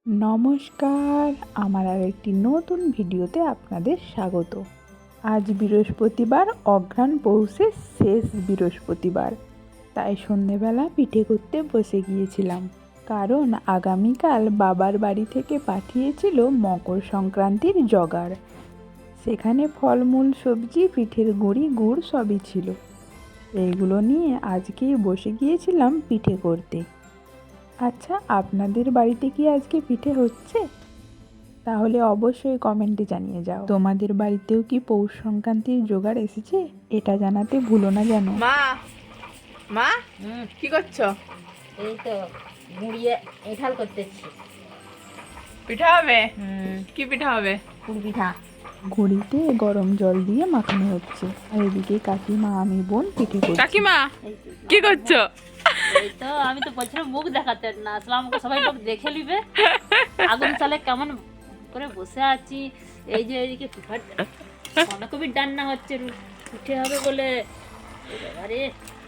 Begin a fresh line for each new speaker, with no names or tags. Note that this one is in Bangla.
নমস্কার, আমার আর একটি নতুন ভিডিওতে আপনাদের স্বাগত। আজ বৃহস্পতিবার, অঘ্রাণ পৌষের শেষ বৃহস্পতিবার, তাই সন্ধেবেলা পিঠে করতে বসে গিয়েছিলাম। কারণ আগামীকাল বাবার বাড়ি থেকে পাঠিয়েছিল মকর সংক্রান্তির জোগাড়। সেখানে ফলমূল, সবজি, পিঠের গুঁড়ি, গুড় সবই ছিল। এইগুলো নিয়ে আজকেই বসে গিয়েছিলাম পিঠে করতে। আচ্ছা, আপনাদের বাড়িতে কি আজকে পিঠে হচ্ছে? তাহলে অবশ্যই কমেন্টে জানিয়ে যাও। তোমাদের বাড়িতেও কি পৌষ সংক্রান্তির জোগাড় এসেছে? এটা জানাতে ভুলো না যেন।
মা মা কি করছো?
এই তো মুড়িয়ে এঠাল করতেছি।
পিঠা হবে? কি পিঠা হবে?
পুর পিঠা।
ঘড়িতে গরম জল দিয়ে মাখানো হচ্ছে, আর এদিকে কাকিমা, আমি, বোন পিঠে করছি।
কাকিমা কি করছো?
এই তো আমি তো বলছিলাম মুখ দেখাতে না, আসলে আমাকে সবাই লোক দেখে নিবে। আগুন চালে কেমন করে বসে আছি। এই যে এদিকে পিঠার বাঁধাকপির রান্না হচ্ছে, পিঠে হবে বলে। আরে